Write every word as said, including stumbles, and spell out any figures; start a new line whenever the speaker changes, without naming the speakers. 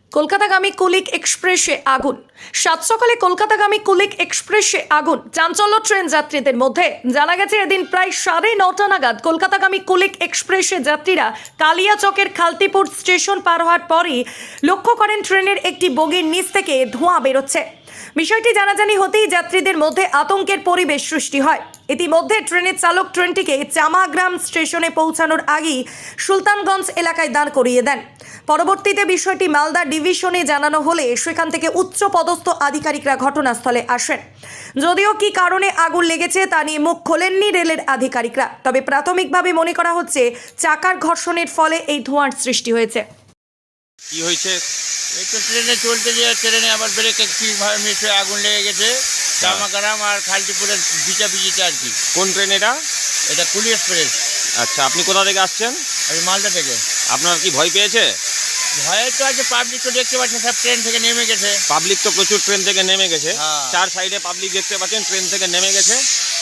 কলকাতাগামী কুলিক এক্সপ্রেসে আগুন। সাত সকালে কলকাতাগামী কুলিক এক্সপ্রেসে আগুন, চাঞ্চল্য ট্রেন যাত্রীদের মধ্যে। জানা গেছে এদিন প্রায় সাড়ে নটা নাগাদ কলকাতাগামী কুলিক এক্সপ্রেসে যাত্রীরা কালিয়াচকের খালতিপুর স্টেশন পার হওয়ার পরই লক্ষ্য করেন ট্রেনের একটি বগির নিচ থেকে ধোঁয়া বেরোচ্ছে। বিষয়টি জানাজানি হতেই যাত্রীদের মধ্যে আতঙ্কের পরিবেশ সৃষ্টি হয়। ইতিমধ্যে ট্রেনের চালক ট্রেনটিকে চামাগ্রাম স্টেশনে পৌঁছানোর আগেই সুলতানগঞ্জ এলাকায় দাঁড় করিয়ে দেন। পরবর্তীতে বিষয়টি মালদা ডিভিশনে জানানো হলে সেখান থেকে উচ্চ পদস্থ আধিকারিকরা ঘটনাস্থলে আসেন। যদিও কি কারণে আগুন লেগেছে তা নিয়ে মুখ খোলেননি রেলের আধিকারিকরা, তবে প্রাথমিকভাবে মনে করা হচ্ছে চাকার ঘর্ষণের ফলে এই ধোঁয়ার সৃষ্টি হয়েছে।
কি হয়েছে?
এই তো ট্রেনে চলতে যে ট্রেনে আবার ব্রেক একটি মিশে আগুন লেগে গেছে চামাগ্রাম আর খালটিপুরের বিচাপিজিতে আর কি।
কোন ট্রেন এটা?
এটা কুলি এক্সপ্রেস।
আচ্ছা, আপনি কোথা থেকে আসছেন?
আমি মালদা থেকে।
আপনার কি ভয় পেয়েছে?
ভয়ে তো আছে, পাবলিক তো দেখতে পাচ্ছে সব ট্রেন থেকে নেমে গেছে।
পাবলিক তো প্রচুর ট্রেন থেকে নেমে গেছে।
হ্যাঁ।
চার সাইডে পাবলিক দেখতে পাচ্ছেন ট্রেন থেকে নেমে গেছে।